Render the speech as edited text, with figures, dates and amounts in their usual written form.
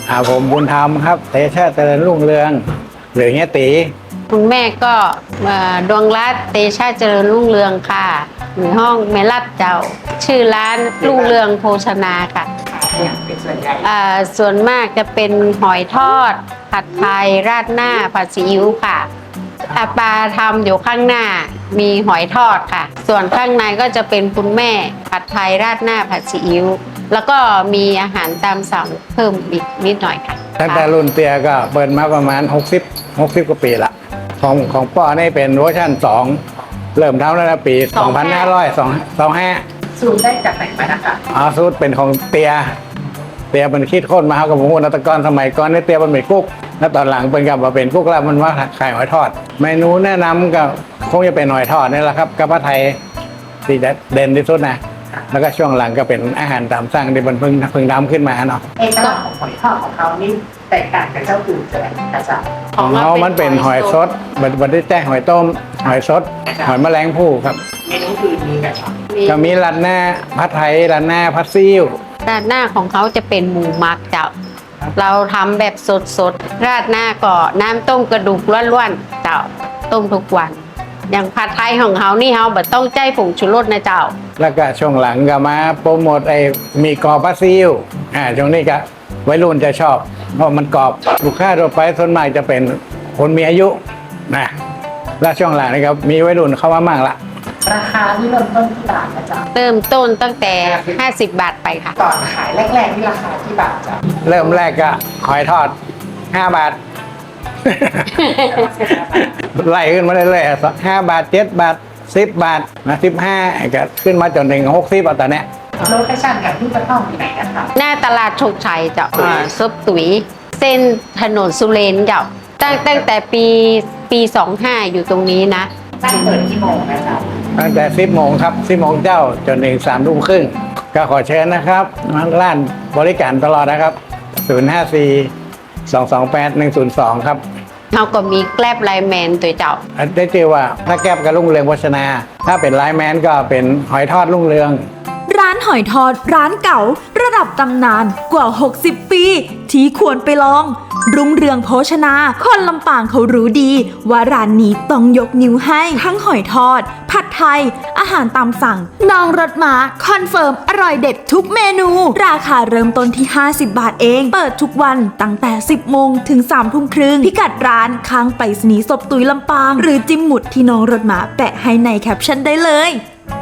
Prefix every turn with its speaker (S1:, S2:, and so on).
S1: ผมบุญธรรมครับเตชะเจริญรุ่งเรืองหรือเฮียตี
S2: คุณแม่ก็ดวงรัตน์เตชะเจริญรุ่งเรืองค่ะอยู่ห้องแม่รัดเจ้า ชื่อร้านรุ่งเรืองโภชนาค่ะส่วนมากจะเป็นหอยทอดผัดไทยราดหน้าผัดซีอิ๊วค่ะปลาทำอยู่ข้างหน้ามีหอยทอดค่ะ ส่วนข้างในก็จะเป็นคุณแม่ผัดไทยราดหน้าผัดซีอิ๊วแล้วก็มีอาหารตามสั่งเพิ่มอีกนิดหน่อยค่ะ
S1: ตั้งแต่รุ่นเตียก็เปิดมาประมาณ60กว่าปีละของป้อนี่เป็นเวอร์ชัน2เริ่มทำแล้วนะปี2525
S3: สูตรได้จากไหนมานะคะ
S1: สูตรเป็นของเตียเป็นคิดค้นมาครับกับผมนัตกรสมัยก่อนนี่เตียมันเป็นกุ๊กแล้วตอนหลังเป็นกับมาเป็นกุ๊กแล้วมันว่าขายหอยทอดเมนูแนะนำก็คงจะเป็นหอยทอดนี่แหละครับกับผัดไทยที่เด่นที่สุดนะแล้วก็ช่วงหลังก็เป็นอาหารตามสั่งที่มันเพิ่งดำขึ้นมาเนาะ
S3: เอกลักษณ์ของหอยทอดของเขานี่แตกต่างจากเจ้าอื่นจะไหนคะจ๊ะ
S1: ของเขามันเป็นหอยสดมันได้แจ้งหอยต้มหอยสดหอยแมลงภู่ครับ
S3: เมนูอื่นมีกันครับ
S1: ก็มีราดหน้าผัดไทยราดหน้าผัดซีอิ๊ว
S2: ราดหน้าของเขาจะเป็นหมูหมักเจ้าเราทำแบบสดๆราดหน้าก็น้ำต้มกระดูกล้วนๆเจ้าต้มทุกวันอย่างผัดไทยของเขานี่เขาแบบต้องใจผงชูรสนะเจ้า
S1: แล้วก็ช่วงหลังก็มาโปรโมทมีกรอบผัดซีอิ๊วช่วงนี้ก็วัยรุ่นจะชอบเพราะมันกรอบลูกค้าทั่วไปส่วนมากจะเป็นคนมีอายุนะและช่วงหลังนี่ครับมีวัยรุ่นเข้ามามากละ
S3: ราคาที่เริ่มต้นที่บาทนะจ๊ะ
S2: เริ่มต้นตั้งแต่50 บาทไปค่ะ
S3: ก่อนขายแรกๆที่ราคาที่บาทจ๊ะ
S1: เริ่มแรกก็หอยทอด5 บาท ไล่ขึ้นมาเรื่อยๆ5 บาท7 บาท10 บาทนะ15ก็ขึ้นมาจนถึง60ตอนนี้
S3: โลเคชั่นกับที่กระท่อมที่ไหนนะคะ
S2: หน้าตลาดโชคชัยเจ้าซบตุ๋ยเส้นถนนสุเรนเจ้าตั้งแต่ปี25อยู่ตรงนี้นะ
S3: ตั้งเปิดกี่โมงนะจ๊ะ
S1: ตั้งแต่10 โมงครับ10 โมงเจ้าจนถึง3 ทุ่มครึ่งก็ขอเชิญนะครับร้านบริการตลอดนะครับ054-228-102ครับ
S2: เราก็มีแกลบไลแมนตัวเจ้า
S1: ได้เจอว่าถ้าแกลบกับรุ่งเรืองโภชนาถ้าเป็นไลแมนก็เป็นหอยทอดรุ่งเรือง
S4: ร้านหอยทอดร้านเก่าระดับตำนานกว่า60 ปีที่ควรไปลองรุ่งเรืองโภชนาคนลำปางเขารู้ดีว่าร้านนี้ต้องยกนิ้วให้ทั้งหอยทอดผัดไทยอาหารตามสั่งน้องรถม้าคอนเฟิร์มอร่อยเด็ดทุกเมนูราคาเริ่มต้นที่50 บาทเองเปิดทุกวันตั้งแต่10 โมงถึง3 ทุ่มครึ่งพิกัดร้านข้างไปรษณีย์ศพตุยลำปางหรือจิ้มหมุดที่น้องรถม้าแปะให้ในแคปชั่นได้เลย